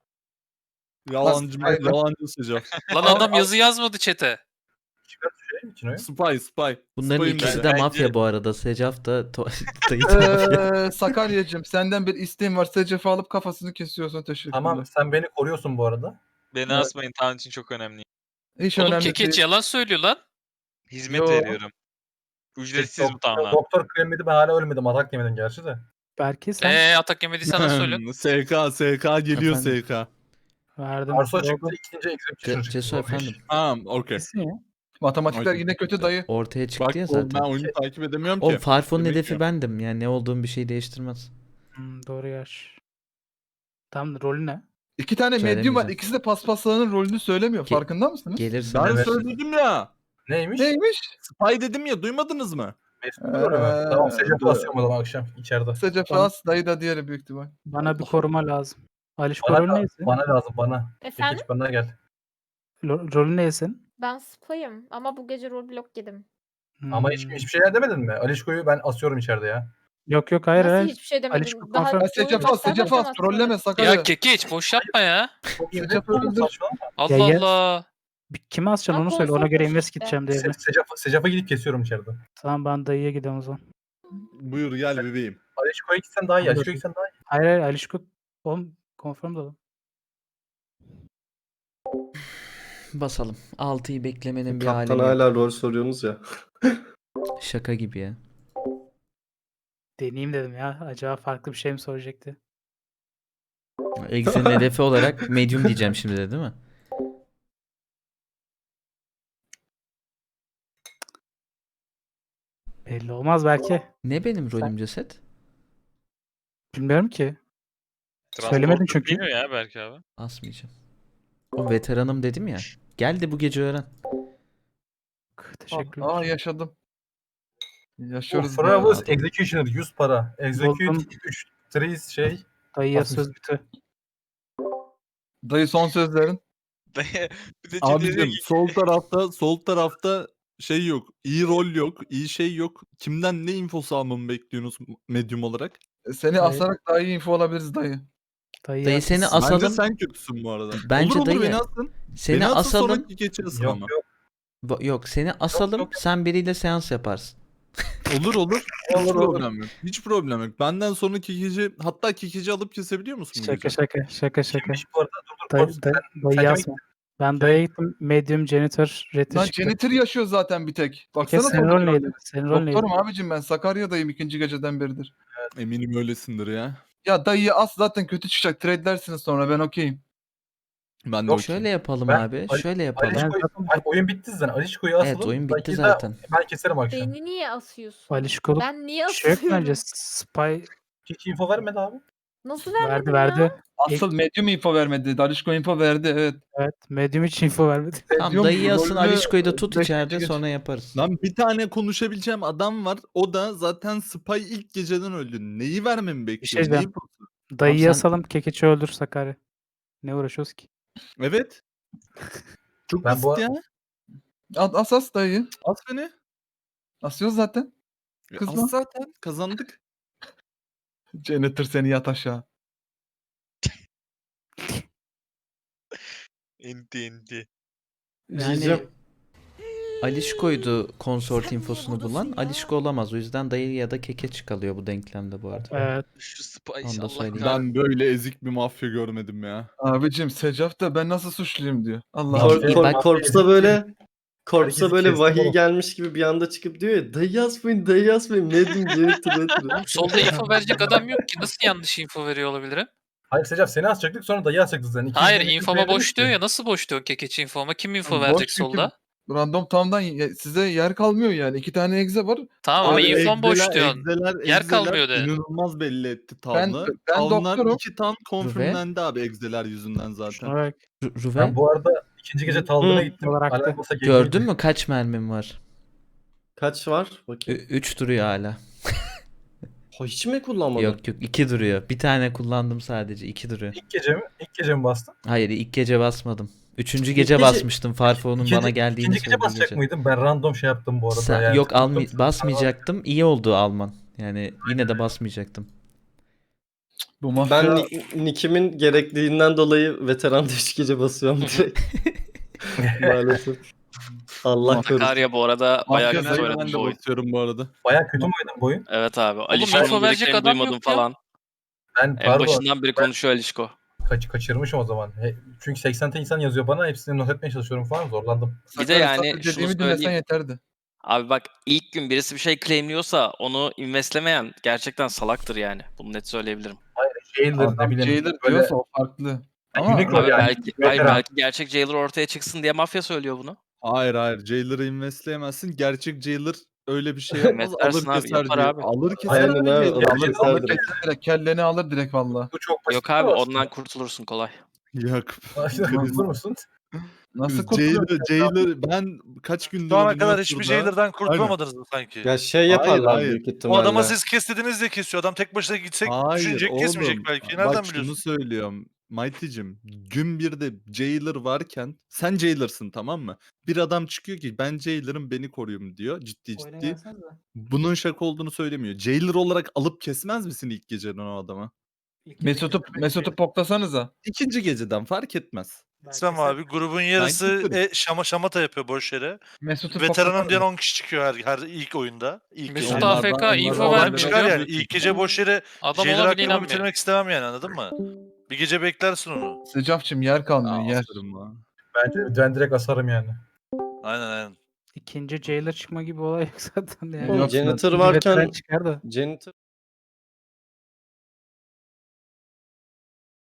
[SPEAKER 8] Yalancı
[SPEAKER 1] Spy adam.
[SPEAKER 8] yalancı Secaf.
[SPEAKER 2] Lan adam yazı yazmadı chat'e.
[SPEAKER 6] Şey mi Cino'yu?
[SPEAKER 8] Spy spy.
[SPEAKER 5] Bunların
[SPEAKER 8] Spy'ım
[SPEAKER 5] ikisi
[SPEAKER 8] dedi.
[SPEAKER 5] de
[SPEAKER 12] Bence-
[SPEAKER 5] mafya bu arada. Secaf da to- dayı da mafya.
[SPEAKER 1] Ee, Sakarya'cığım senden bir isteğim var. Secaf'ı alıp kafasını kesiyorsun. Teşekkürler.
[SPEAKER 6] Tamam sen beni koruyorsun bu arada.
[SPEAKER 12] Beni
[SPEAKER 1] Evet.
[SPEAKER 12] asmayın, Tanrı için çok önemli.
[SPEAKER 1] Hiç
[SPEAKER 2] Oğlum
[SPEAKER 1] önemli
[SPEAKER 2] Kekeç
[SPEAKER 1] değil.
[SPEAKER 2] yalan söylüyor lan.
[SPEAKER 12] Hizmet
[SPEAKER 1] Yo.
[SPEAKER 12] veriyorum. Ücretsiz bu
[SPEAKER 6] Doktor-
[SPEAKER 12] tamamen.
[SPEAKER 6] Doktor kremiydi ben hala ölmedim. Atak yemedim gerçi de.
[SPEAKER 10] Belki sen
[SPEAKER 2] Eee atak yemediysen nasıl söyle?
[SPEAKER 8] S K S K geliyor
[SPEAKER 5] Efendim?
[SPEAKER 8] S K.
[SPEAKER 10] verdin.
[SPEAKER 6] Arso çıktı
[SPEAKER 10] Oldu.
[SPEAKER 6] ikinci execution
[SPEAKER 5] Ce-
[SPEAKER 6] çıktı.
[SPEAKER 5] Cesur
[SPEAKER 6] O beş.
[SPEAKER 5] efendim.
[SPEAKER 8] Tamam okey.
[SPEAKER 10] Kesin ya.
[SPEAKER 1] Matematikler
[SPEAKER 8] Okey.
[SPEAKER 1] yine kötü dayı.
[SPEAKER 5] Ortaya çıktı
[SPEAKER 8] Bak
[SPEAKER 5] ya
[SPEAKER 8] oğlum, ben
[SPEAKER 5] zaten.
[SPEAKER 8] oyunu takip edemiyorum ki.
[SPEAKER 5] Oğlum Farfo'nun
[SPEAKER 8] Demek
[SPEAKER 5] hedefi
[SPEAKER 8] ki-
[SPEAKER 5] bendim. Yani ne olduğum bir şey değiştirmez.
[SPEAKER 10] Hmm, doğru yaş. Tam rolü ne?
[SPEAKER 1] İki tane medium var.
[SPEAKER 5] Söylemeyeceğim.
[SPEAKER 1] İkisi de paspaslarının rolünü söylemiyor.
[SPEAKER 5] Ge-
[SPEAKER 1] Farkında mısınız?
[SPEAKER 5] Gelirsin.
[SPEAKER 8] Ben
[SPEAKER 6] Evet.
[SPEAKER 8] söyledim ya.
[SPEAKER 6] Neymiş?
[SPEAKER 1] Neymiş?
[SPEAKER 8] Spy dedim ya, duymadınız mı?
[SPEAKER 6] Mesut rolü mü? Tamam Secaf
[SPEAKER 1] dur.
[SPEAKER 6] basıyorum o zaman akşam içeride.
[SPEAKER 1] Secaf As, dayı da diğeri büyük ihtimal.
[SPEAKER 10] Bana bir koruma lazım. Alişko
[SPEAKER 6] Bana,
[SPEAKER 10] rolü
[SPEAKER 6] da-
[SPEAKER 10] neyse?
[SPEAKER 6] bana lazım bana.
[SPEAKER 9] Efendim?
[SPEAKER 6] Geç bana gel.
[SPEAKER 10] Lo- Rolü neysin?
[SPEAKER 9] Ben spy'ım ama bu gece rol blok yedim.
[SPEAKER 6] Ama hiç,
[SPEAKER 10] Hmm.
[SPEAKER 6] hiçbir şeyler demedin mi? Alişko'yu ben asıyorum içeride ya.
[SPEAKER 10] Yok yok hayır
[SPEAKER 9] Nasıl
[SPEAKER 10] hayır.
[SPEAKER 9] hiçbir şey
[SPEAKER 10] Alişko
[SPEAKER 9] demedin? Daha
[SPEAKER 10] konfer-
[SPEAKER 1] Ya Secaf As,
[SPEAKER 9] oyun
[SPEAKER 1] Secaf As.
[SPEAKER 9] başlamadan
[SPEAKER 1] Trolleme
[SPEAKER 9] sonra-
[SPEAKER 1] Sakarya.
[SPEAKER 2] Ya Kekeç boş yapma ya.
[SPEAKER 6] Çok iyi
[SPEAKER 1] Secaf
[SPEAKER 6] değil mi?
[SPEAKER 1] öldür.
[SPEAKER 6] Saçmalama.
[SPEAKER 2] Allah
[SPEAKER 10] Ya, yes.
[SPEAKER 2] Allah.
[SPEAKER 10] Bir- Kime asacaksın onu
[SPEAKER 9] Bak,
[SPEAKER 10] söyle. Ona
[SPEAKER 9] olsa
[SPEAKER 10] göre
[SPEAKER 9] olsun
[SPEAKER 10] invest
[SPEAKER 9] işte.
[SPEAKER 10] gideceğim diye.
[SPEAKER 6] Se- Secaf, Secaf'a gidip kesiyorum içeride.
[SPEAKER 10] Tamam ben dayıya gidiyorum o zaman.
[SPEAKER 8] Buyur gel bebeğim.
[SPEAKER 6] Alişko'ya gitsen daha iyi. Alişko'ya gitsen daha iyi.
[SPEAKER 10] Hayır hayır Alişko oğlum confirm da.
[SPEAKER 5] Basalım. altıyı beklemenin bir
[SPEAKER 3] Kaptan
[SPEAKER 5] alemi yok.
[SPEAKER 3] hala rol soruyorsunuz ya.
[SPEAKER 5] Şaka gibi ya.
[SPEAKER 10] Deneyeyim dedim ya. Acaba farklı bir şey mi soracaktı?
[SPEAKER 5] Exe'nin hedefi olarak medium diyeceğim şimdi de değil mi?
[SPEAKER 10] Belli olmaz belki.
[SPEAKER 5] Ne benim rolüm ceset?
[SPEAKER 10] Bilmiyorum ki. Söylemedin çünkü.
[SPEAKER 2] Bilmiyor ya belki abi.
[SPEAKER 5] Asmayacağım. O veteranım dedim ya. Gel de bu gece öğren.
[SPEAKER 10] Teşekkürler.
[SPEAKER 1] Aa yaşadım. Yaşıyoruz.
[SPEAKER 6] Bravo
[SPEAKER 1] bayağı.
[SPEAKER 6] Executioner yüz para. Execute
[SPEAKER 10] Buldum.
[SPEAKER 6] üç trees şey.
[SPEAKER 10] Dayıya
[SPEAKER 6] Basmış.
[SPEAKER 10] söz bütü.
[SPEAKER 1] Dayı son sözlerin.
[SPEAKER 8] Abicim sol tarafta sol tarafta şey yok. İyi rol yok. İyi şey yok. Kimden ne infosu almamı bekliyorsunuz medium olarak?
[SPEAKER 1] Seni
[SPEAKER 10] Dayı-
[SPEAKER 1] asarak daha iyi info alabiliriz dayı.
[SPEAKER 10] Dayıya
[SPEAKER 5] Dayı seni
[SPEAKER 8] Bence
[SPEAKER 5] asalım.
[SPEAKER 8] sen kötüsün bu arada.
[SPEAKER 5] Bence
[SPEAKER 8] olur olur
[SPEAKER 5] dayı-
[SPEAKER 8] beni asın.
[SPEAKER 5] Seni
[SPEAKER 8] beni asın
[SPEAKER 5] asalım.
[SPEAKER 8] sonraki geçe asın
[SPEAKER 6] Yok
[SPEAKER 8] ama.
[SPEAKER 6] yok.
[SPEAKER 5] Ba- Yok seni asalım.
[SPEAKER 6] yok, yok.
[SPEAKER 5] Sen biriyle seans yaparsın.
[SPEAKER 8] Olur olur. Hiç
[SPEAKER 1] Olur, olur.
[SPEAKER 8] problem yok. Hiç problem yok. Benden sonraki gece hatta kikeci alıp kesebiliyor musun bu
[SPEAKER 10] Şaka
[SPEAKER 8] gece?
[SPEAKER 10] şaka şaka şaka.
[SPEAKER 6] Kimmiş bu arada? Dur dur.
[SPEAKER 10] Dayı,
[SPEAKER 6] Korksun.
[SPEAKER 10] dayı,
[SPEAKER 6] Sen-
[SPEAKER 10] dayı
[SPEAKER 6] sen kime
[SPEAKER 10] yazma. Ben dayıya gittim. Medium janitor reti
[SPEAKER 1] Lan
[SPEAKER 10] çıktı.
[SPEAKER 1] janitor yaşıyor zaten bir tek. Baksana
[SPEAKER 10] Kes senin rol
[SPEAKER 1] sonuçlarına.
[SPEAKER 10] neydi? Senin rol neydi?
[SPEAKER 1] Doktorum abicim ben. Sakarya'dayım ikinci geceden beridir.
[SPEAKER 8] Eminim öylesindir ya.
[SPEAKER 1] Ya dayıyı as zaten kötü çıkacak. Trade'lersiniz sonra ben okeyim.
[SPEAKER 8] Ben de
[SPEAKER 6] Yok,
[SPEAKER 8] okey.
[SPEAKER 5] Şöyle yapalım
[SPEAKER 6] Ben-
[SPEAKER 5] abi.
[SPEAKER 6] Ali-
[SPEAKER 5] Şöyle yapalım.
[SPEAKER 10] Ben
[SPEAKER 6] Alişko'yu,
[SPEAKER 10] zaten-
[SPEAKER 6] Ay, oyun bitti zaten. Alişko'yu asalım.
[SPEAKER 5] Evet, oyun bitti
[SPEAKER 6] Dayıyı da
[SPEAKER 5] zaten.
[SPEAKER 6] Ben keserim akşam.
[SPEAKER 9] Beni niye asıyorsun?
[SPEAKER 10] Alişko'luk
[SPEAKER 9] Ben niye
[SPEAKER 10] bir şey yok
[SPEAKER 9] asıyorum?
[SPEAKER 10] bence. Spy
[SPEAKER 6] Hiç info vermedi abi.
[SPEAKER 9] Nasıl
[SPEAKER 10] verdi
[SPEAKER 9] vermedin
[SPEAKER 10] verdi.
[SPEAKER 9] ya?
[SPEAKER 1] Asıl medium info vermedi. Darişko info verdi evet.
[SPEAKER 10] Evet. Medium hiç info vermedi.
[SPEAKER 5] Tamam
[SPEAKER 1] Medium
[SPEAKER 5] dayı asın
[SPEAKER 1] rolünü
[SPEAKER 5] Alişko'yu da tut
[SPEAKER 1] beşinci
[SPEAKER 5] içeride
[SPEAKER 1] gece-
[SPEAKER 5] sonra yaparız.
[SPEAKER 8] Lan bir tane konuşabileceğim adam var. O da zaten Spy ilk geceden öldü. Neyi vermemi bekliyor?
[SPEAKER 10] şey diyeceğim.
[SPEAKER 8] Neyi-
[SPEAKER 10] Dayıyı
[SPEAKER 5] sen-
[SPEAKER 10] yasalım. Kekeçi öldür Sakarya. Ne uğraşıyoruz ki?
[SPEAKER 8] Evet. Çok
[SPEAKER 6] Ben
[SPEAKER 8] basit
[SPEAKER 6] bu-
[SPEAKER 8] ya.
[SPEAKER 1] As as as dayı.
[SPEAKER 8] As beni.
[SPEAKER 1] Asıyoruz zaten.
[SPEAKER 8] Ya
[SPEAKER 1] Kızma.
[SPEAKER 8] As zaten. Kazandık.
[SPEAKER 1] Janitor seni yat aşağı.
[SPEAKER 2] İndi indi.
[SPEAKER 5] Yani
[SPEAKER 3] Diyeceğim.
[SPEAKER 5] Alişko'ydu konsort infosunu bulan. Alişko olamaz. O yüzden dayı ya da kekeç kalıyor bu denklemde bu arada.
[SPEAKER 10] Evet.
[SPEAKER 2] Şu Spice
[SPEAKER 5] Onu da
[SPEAKER 2] Allah
[SPEAKER 5] söyleyeyim.
[SPEAKER 2] kahretsin.
[SPEAKER 8] Ben böyle ezik bir mafya görmedim ya.
[SPEAKER 1] Abicim Secaf da ben nasıl suçluyum diyor. Allah
[SPEAKER 6] Kor-
[SPEAKER 1] Allah.
[SPEAKER 5] İyi,
[SPEAKER 3] Kor-
[SPEAKER 5] bak-
[SPEAKER 3] Korps'a böyle Korps'a
[SPEAKER 6] Herkesi
[SPEAKER 3] böyle
[SPEAKER 6] kestim
[SPEAKER 3] vahiy
[SPEAKER 6] oğlum.
[SPEAKER 3] gelmiş gibi bir anda çıkıp diyor ya dayı yazmayın dayı yazmayın medium janitor janitor."
[SPEAKER 2] Solda info verecek adam yok ki. Nasıl yanlış info veriyor olabilirim?
[SPEAKER 6] Hayır Secaf seni asacaktık sonra dayı asacaktık zaten. İkinci
[SPEAKER 2] Hayır
[SPEAKER 6] gece
[SPEAKER 2] infoma
[SPEAKER 6] veremedik
[SPEAKER 2] boş
[SPEAKER 6] ki.
[SPEAKER 2] diyor ya. Nasıl boş diyor kekeç infoma? Kim info
[SPEAKER 1] Boş
[SPEAKER 2] verecek
[SPEAKER 1] çünkü
[SPEAKER 2] solda?
[SPEAKER 1] Random Town'dan ye- size yer kalmıyor yani. İki tane egze var.
[SPEAKER 2] Tamam ama
[SPEAKER 8] Abi
[SPEAKER 2] infom boş
[SPEAKER 8] egzeler-
[SPEAKER 2] diyorsun.
[SPEAKER 8] egzeler-
[SPEAKER 2] Yer
[SPEAKER 8] egzeler
[SPEAKER 2] kalmıyor de.
[SPEAKER 8] İnanılmaz belli etti
[SPEAKER 1] Ben-
[SPEAKER 8] Tavla.
[SPEAKER 1] ben
[SPEAKER 8] Tavlar
[SPEAKER 1] doktorum.
[SPEAKER 8] iki tan konfirmlendi abi egzeler yüzünden zaten.
[SPEAKER 10] Şuna bak.
[SPEAKER 5] Ru- Ruve
[SPEAKER 6] Ben bu arada ikinci gece Talgın'a
[SPEAKER 3] Hı.
[SPEAKER 6] gittim.
[SPEAKER 10] Olarak da.
[SPEAKER 6] Alarm olsa
[SPEAKER 5] gördün
[SPEAKER 6] geceydi.
[SPEAKER 5] mü kaç mermim var?
[SPEAKER 3] Kaç var? Bakayım.
[SPEAKER 5] üç duruyor hala.
[SPEAKER 3] Ha, hiç mi kullanmadın?
[SPEAKER 5] Yok yok iki duruyor. Bir tane kullandım sadece. iki duruyor.
[SPEAKER 6] İlk gece mi? İlk gece mi bastın?
[SPEAKER 5] Hayır ilk gece basmadım. Üçüncü
[SPEAKER 6] İlk
[SPEAKER 5] gece
[SPEAKER 6] gece-
[SPEAKER 5] basmıştım. Farfo'nun
[SPEAKER 6] İkinci-
[SPEAKER 5] bana geldiğini
[SPEAKER 6] İkinci gece
[SPEAKER 5] söylediği
[SPEAKER 6] basacak
[SPEAKER 5] gece.
[SPEAKER 6] mıydın? Ben random şey yaptım bu arada.
[SPEAKER 5] Sen,
[SPEAKER 6] yani.
[SPEAKER 5] yok almay
[SPEAKER 6] Tuttum,
[SPEAKER 5] basmayacaktım. İyi oldu alman. Yani yine de basmayacaktım.
[SPEAKER 1] Bu mafya
[SPEAKER 3] Ben ni- nickimin gerekliliğinden dolayı veteran üç gece basıyorum direkt. Maalesef. Allah korusun.
[SPEAKER 2] Sakarya bu arada bayağı
[SPEAKER 1] Mafya
[SPEAKER 2] kötü
[SPEAKER 1] dayı
[SPEAKER 2] oynadı
[SPEAKER 8] Ben de
[SPEAKER 2] bu oyun.
[SPEAKER 8] basıyorum bu arada.
[SPEAKER 6] Bayağı kötü mü oynadın bu oyun?
[SPEAKER 7] Evet abi.
[SPEAKER 2] info
[SPEAKER 7] Alişko'nun
[SPEAKER 2] verecek
[SPEAKER 7] dediklerini
[SPEAKER 2] adam
[SPEAKER 7] duymadım
[SPEAKER 2] yok ya.
[SPEAKER 7] falan.
[SPEAKER 6] Ben
[SPEAKER 7] En
[SPEAKER 6] pardon
[SPEAKER 7] başından beri konuşuyor Alişko.
[SPEAKER 6] kaç, kaçırmışım o zaman. He, çünkü seksen tane insan yazıyor bana. Hepsini not etmeye çalışıyorum falan. Zorlandım.
[SPEAKER 7] Bir de
[SPEAKER 1] Sakarya
[SPEAKER 7] yani
[SPEAKER 1] sadece
[SPEAKER 7] şunu
[SPEAKER 1] dediğimi dinlesen
[SPEAKER 7] söyleyeyim.
[SPEAKER 1] yeterdi.
[SPEAKER 7] Abi bak ilk gün birisi bir şey claimliyorsa onu investlemeyen gerçekten salaktır yani. Bunu net söyleyebilirim.
[SPEAKER 6] Jailer ne
[SPEAKER 1] Adam
[SPEAKER 6] bileyim.
[SPEAKER 1] Jailer
[SPEAKER 6] böyle
[SPEAKER 1] diyorsa o farklı. Ama
[SPEAKER 6] Unicorn
[SPEAKER 7] Abi
[SPEAKER 6] yani.
[SPEAKER 7] belki, hayır,
[SPEAKER 6] veteran.
[SPEAKER 7] belki gerçek jailer ortaya çıksın diye mafya söylüyor bunu.
[SPEAKER 8] Hayır hayır. Jailer'ı investleyemezsin. Gerçek Jailer öyle bir şey yapmaz.
[SPEAKER 7] Investlersin
[SPEAKER 8] Alır
[SPEAKER 7] abi,
[SPEAKER 8] keser
[SPEAKER 7] yapar
[SPEAKER 8] diyor.
[SPEAKER 7] abi.
[SPEAKER 8] Alır keser
[SPEAKER 3] Aynen
[SPEAKER 8] abi
[SPEAKER 3] abi,
[SPEAKER 8] Jailer.
[SPEAKER 3] alır
[SPEAKER 1] Alır,
[SPEAKER 3] keser
[SPEAKER 1] alır
[SPEAKER 3] direkt.
[SPEAKER 1] keser direkt. Kelleni alır direkt valla.
[SPEAKER 6] Bu çok basit.
[SPEAKER 7] Yok abi ondan kurtulursun kolay.
[SPEAKER 8] Yok.
[SPEAKER 6] Kurtulur musun?
[SPEAKER 1] Nasıl
[SPEAKER 8] Jailer,
[SPEAKER 1] kurtuluyor?
[SPEAKER 8] Jailer ben kaç gündür
[SPEAKER 12] Şu ana
[SPEAKER 8] oynuyorum
[SPEAKER 12] kadar hiçbir
[SPEAKER 8] burada.
[SPEAKER 12] Jailer'dan kurtulamadınız mı sanki?
[SPEAKER 3] Ya şey
[SPEAKER 8] Hayır,
[SPEAKER 3] yaparlar
[SPEAKER 8] hayır.
[SPEAKER 3] büyük
[SPEAKER 12] O
[SPEAKER 3] ihtimalle.
[SPEAKER 12] adama siz kes dediniz de kesiyor. Adam tek başına gitsek
[SPEAKER 8] Hayır
[SPEAKER 12] düşünecek
[SPEAKER 8] oğlum.
[SPEAKER 12] kesmeyecek belki. Nereden
[SPEAKER 8] Bak şunu
[SPEAKER 12] biliyorsun?
[SPEAKER 8] söylüyorum. Mighty'cim gün birde Jailer varken sen Jailer'sın tamam mı? Bir adam çıkıyor ki ben Jailer'ım beni koruyun diyor ciddi ciddi. Bunun şaka olduğunu söylemiyor. Jailer olarak alıp kesmez misin ilk geceden o adamı?
[SPEAKER 1] Mesut'u Mesut'u poklasanıza.
[SPEAKER 8] İkinci geceden fark etmez.
[SPEAKER 12] İslam abi grubun yarısı
[SPEAKER 8] keserim.
[SPEAKER 12] e, şama şamata yapıyor boş yere.
[SPEAKER 1] Mesut'u
[SPEAKER 12] Veteranım diyen
[SPEAKER 1] poklasanıza.
[SPEAKER 12] on kişi çıkıyor her, her ilk oyunda. İlk
[SPEAKER 2] Mesut
[SPEAKER 12] gece.
[SPEAKER 8] Onlardan-
[SPEAKER 2] A F K
[SPEAKER 8] onlardan
[SPEAKER 2] info
[SPEAKER 8] olan
[SPEAKER 12] Olan
[SPEAKER 2] vermiyor
[SPEAKER 12] çıkar
[SPEAKER 2] biliyor
[SPEAKER 12] yani.
[SPEAKER 2] musun?
[SPEAKER 12] İlk gece boş yere
[SPEAKER 2] Adam
[SPEAKER 12] Jailer
[SPEAKER 2] ona bile
[SPEAKER 12] hakkımı
[SPEAKER 2] inanmıyor.
[SPEAKER 12] bitirmek istemem yani anladın mı? Bir gece beklersin onu.
[SPEAKER 1] Sıcafçım yer kalmıyor
[SPEAKER 8] Aa,
[SPEAKER 1] yer.
[SPEAKER 8] asarım ha.
[SPEAKER 6] Bence ben direkt asarım yani.
[SPEAKER 12] Aynen aynen.
[SPEAKER 10] İkinci Jailer çıkma gibi olay yok zaten yani.
[SPEAKER 3] Oğlum,
[SPEAKER 1] Yok
[SPEAKER 3] Janitor
[SPEAKER 10] Bir veteran
[SPEAKER 3] varken
[SPEAKER 10] çıkar da.
[SPEAKER 3] Janitor